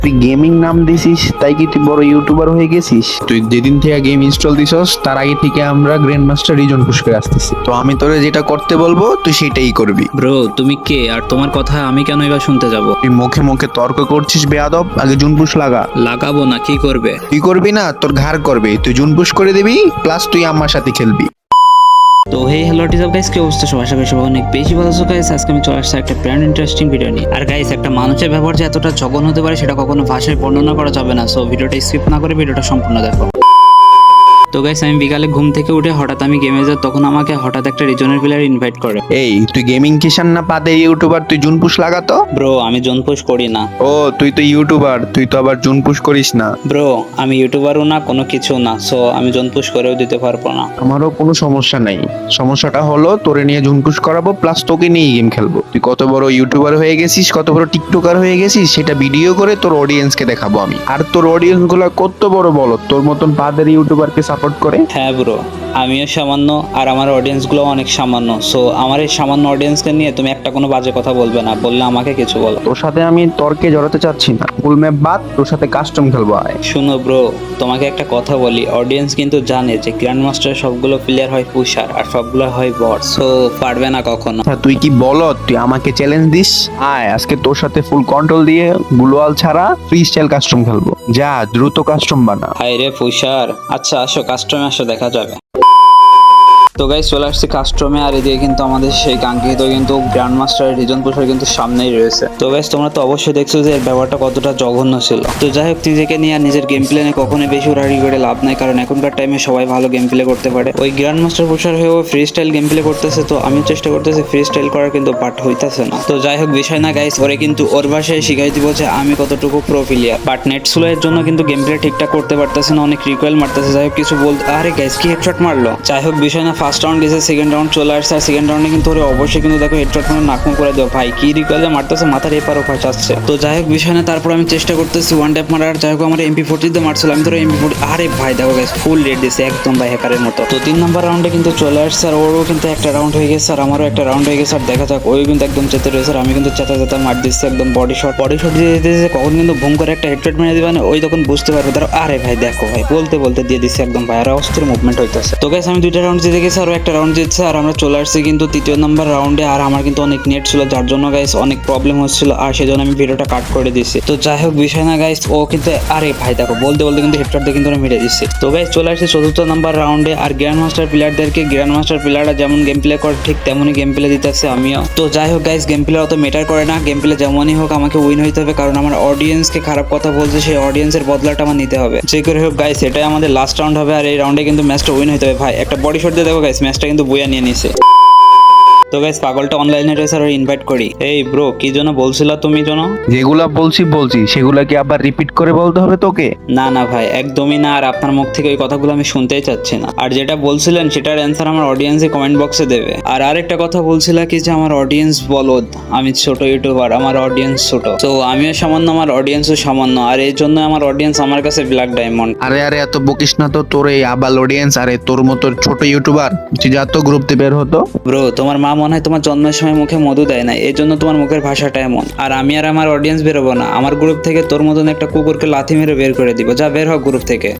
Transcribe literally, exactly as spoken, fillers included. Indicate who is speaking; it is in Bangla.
Speaker 1: তুই গেমিং নাম দিছিস তাই কি তুই বড় ইউটিউবার হয়ে গেছিস? তুই যেদিন থেকে গেম ইনস্টল দিছস তার আগে থেকে আমরা গ্র্যান্ড মাস্টার রিজন পুশ করে আসতেছি, তো আমি তোরে যেটা করতে বলবো তুই সেটাই করবি।
Speaker 2: ব্রো তুমি কে আর তোমার কথা আমি কেন এবার শুনতে যাব?
Speaker 1: তুই মুখে মুখে তর্ক করছিস বেয়াদব, আগে জুন পুশ লাগা।
Speaker 2: লাগাবো না, কি করবে?
Speaker 1: তুই করবি না, তোর ঘাড় করবে। তুই জুন পুশ করে দিবি, প্লাস তুই আমার সাথে খেলবি।
Speaker 2: তো হে হ্যালো টিজাব গাইস, কি অবস্থা সবার? আশা করি সবাই অনেক বেশি ভালো আছো গাইস। আজকে আমি চলে আসছি একটা ব্র্যান্ড ইন্টারেস্টিং ভিডিও নিয়ে। আর গাইস, একটা মানুষের ব্যবহার যে এতটা জঘন্য হতে পারে সেটা কখনো ভাষায় বর্ণনা করা যাবে না। সো ভিডিওটা স্কিপ না করে ভিডিওটা সম্পূর্ণ দেখো। তো গাইস, আমি বিকালে ঘুম থেকে উঠে হঠাৎ আমি গেমে যাই, তখন আমাকে হঠাৎ একটা রিজনের প্লেয়ার ইনভাইট করে।
Speaker 1: এই তুই গেমিং কিষান না পাতে ইউটিউবার, তুই জুন পুশ লাগাতো।
Speaker 2: ব্রো আমি জোন পুশ করি না।
Speaker 1: ও তুই তো ইউটিউবার, তুই তো আবার জুন পুশ করিস না।
Speaker 2: ব্রো আমি ইউটিউবারও না, কোনো কিছু না। সো আমি জোন পুশ করেও দিতে পারবো না।
Speaker 1: আমারও কোনো সমস্যা নাই। সমস্যাটা হলো তোরে নিয়ে জুন পুশ করাবো, প্লাস তোকে নিয়ে গেম খেলবো। তুই কত বড় ইউটিউবার হয়ে গেছিস, কত বড় টিকটকার হয়ে গেছিস সেটা ভিডিও করে তোর অডিয়েন্সকে দেখাবো আমি। আর তোর অডিয়েন্স গুলা কত বড় বলো, তোর মতন পাদের ইউটিউবারকে সাপোর্ট করে।
Speaker 2: হ্যাঁ ব্রো, আমিও সামান্য আর আমার অডিয়েন্স গুলো অনেক সামান্য। সো আমার এই সামান্য অডিয়েন্সকে নিয়ে তুমি একটা কোনো বাজে কথা বলবে না, বললে আমাকে কিছু বলো।
Speaker 1: তোর সাথে আমি তর্কে জড়াতে চাচ্ছি না, ফুল ম্যাপ বাদ, তোর সাথে কাস্টম খেলবো আয়।
Speaker 2: শুনো ব্রো, তোমাকে একটা কথা বলি, অডিয়েন্স কিন্তু জানে যে গ্র্যান্ড মাস্টার সবগুলো প্লেয়ার হয় পুষার আর সবগুলো হয় বট। সো পারবে না কখনো।
Speaker 1: আচ্ছা তুই কি বলো, তুই আমাকে চ্যালেঞ্জ দিস? আয় আজকে তোর সাথে ফুল কন্ট্রোল দিয়ে গ্লোয়াল ছাড়া ফ্রি স্টাইল কাস্টম খেলবো। যা দ্রুত কাস্টম বানা।
Speaker 2: হাই রে পুষার, আচ্ছা আসো কাস্টমে আসো, দেখা যাবে। তো গাইস চলে আসছে কাস্টমে, আর এদিকে কিন্তু আমাদের সেই কাঙ্ক্ষিত কিন্তু গ্র্যান্ড মাস্টার রিজন পুষার কিন্তু সামনেই রয়েছে। তো গাইস তোমরা তো অবশ্যই দেখছো যে এর ব্যাপারটা কতটা জঘন্য ছিল। তো যাই হোক, নিজেকে নিয়ে আর নিজের গেম প্লে নিয়ে কখনোই বেশি উড়াড়ি করে লাভ নাই, কারণ এখনকার টাইমে সবাই ভালো গেম প্লে করতে পারে। ওই গ্র্যান্ড মাস্টার পুষার হয়েও ফ্রি স্টাইল গেম প্লে করতেছে, তো আমি চেষ্টা করতেছি ফ্রি স্টাইল করার, কিন্তু বাট হইতাছে না। তো যাই হোক, বিষয় না গাইস, ওরে কিন্তু ওর ভাষায় শিখাই দিব যে আমি কতটুকু pro player. But net slow এর জন্য কিন্তু গেম প্লে ঠিকঠাক করতে পারতেছে না, অনেক রিকোয়েল মারতেছে। যাই হোক কিছু বলতে, আরে গাইস কি হেডশট মারলো। যাই হোক বিষয় না, ফার্স্ট রাউন্ড গেছে, সেকেন্ড রাউন্ড চলে আসছে, আর সেকেন্ড রাউন্ডে কিন্তু ওরে অবশ্যই কিন্তু দেখো হেডশট মানে নাকমু করে দেবো। ভাই কি রিকয়েলে মারতেছে, মাথার এপার ওপার যাচ্ছে। তো যাই হোক বিষয় না, তারপর আমি চেষ্টা করতেছি ওয়ান ট্যাপ মারার। যাই হোক আমার এমপি ফোর্টি দিয়ে মারছিল, আমি ধরো এমপি ফোর্টি, আরে ভাই দেখো গাইস ফুল রেড দিয়েছে একদম ভাই হ্যাকারের মতো। তো তিন নম্বর রাউন্ডে কিন্তু চলে আসছে, আর ওরও কিন্তু একটা রাউন্ড হয়ে গেছে, আর আমারও একটা রাউন্ড হয়ে গেছে। আর দেখা যাক, ওই কিন্তু একদম চেতে রয়েছে, আর আমি কিন্তু চেতা চেতা মার দিচ্ছি একদম বডি শট বডি শট দিয়ে দিয়েছে। কখন কিন্তু ভুম করে একটা হেডশট মেরে দিবে, ওই তখন বুঝতে পারবে ধরো। আরে ভাই দেখো ভাই, বলতে বলতে দিয়ে দিচ্ছে একদম ভাই, আর অস্থির মুভমেন্ট হইতেছে। তো গাইস আমি দুইটা রাউন্ড জিতে গেছি, আর একটা রাউন্ড জিতছে, আর আমরা চলে আসছি কিন্তু তৃতীয় নাম্বার রাউন্ডে। আর আমার কিন্তু অনেক নেট ছিল, যার জন্য গাইস অনেক প্রবলেম হচ্ছিল, আর সেজন্য আমি ভিডিওটা কাট করে দিয়েছি। তো যাই হোক বিষয় না গাইস, ও কিন্তু আরে ভাই দেখো বলতে বলতে কিন্তু হেডশট দিয়ে কিন্তু আমি মেরে দিচ্ছি। তো গাইস চলে আসছে চতুর্থ নাম্বার রাউন্ডে, আর গ্র্যান্ড মাস্টার প্লেয়ারদেরকে গ্র্যান্ড মাস্টার প্লেয়াররা যেমন গেম প্লে করে ঠিক তেমনই গেম প্লে দিতেছে আমিও। তো যাই হোক গাইস, গেম প্লে অত ম্যাটার করে না, গেম প্লে যেমনই হোক আমাকে উইন হইতে হবে, কারণ আমার অডিয়েন্সকে খারাপ কথা বলছে, সেই অডিয়েন্সের বদলাটা আমার নিতে হবে যে করে হোক গাইস। এটাই আমাদের লাস্ট রাউন্ড হবে, আর এই রাউন্ডে কিন্তু ম্যাচটা উইন হইতে হবে। ভাই একটা বডি শট দিয়ে দেখো গাইস, ম্যাচটা কিন্তু বইয়া নিয়ে নিছে। তো গাইস পাগলটা অনলাইনে রয়েছে, আর ইনভাইট করি। এই ব্রো কি জন্য বলছিলা তুমি জন্য?
Speaker 1: যেগুলা বলছি বলছি সেগুলা কি আবার রিপিট করে বলতে হবে তোকে?
Speaker 2: না না ভাই একদমই না, আর আপনার মুখ থেকে ওই কথাগুলো আমি শুনতেই চাচ্ছি না। আর যেটা বলছিলেন সেটার অ্যান্সার আমার অডিয়েন্সে কমেন্ট বক্সে দেবে। আর আরেকটা কথা বলছিলা কি যে আমার অডিয়েন্স বলদ, আমি ছোট ইউটিউবার, আমার অডিয়েন্স ছোট। তো আমিও সামান্য, আমার অডিয়েন্সও সামান্য, আর এই জন্য আমার অডিয়েন্স আমার কাছে ব্ল্যাক ডায়মন্ড।
Speaker 1: আরে আরে এত বকিস না তো, তোর এই আবাল অডিয়েন্স, আরে তোর মতো ছোট ইউটিউবার, তুই যা তো গ্রুপ থেকে বের হতো।
Speaker 2: ব্রো তোমার মা মনে হয় তোমার জন্মের সময় মুখে মধু দেয় না, এই জন্য তোমার মুখের ভাষাটা এমন। আর আমি আর আমার অডিয়েন্স বেরোবো না, আমার গ্রুপ থেকে তোর মতন একটা কুকুরকে লাথি মেরে বের করে দিব। যা বের হোক গ্রুপ থেকে।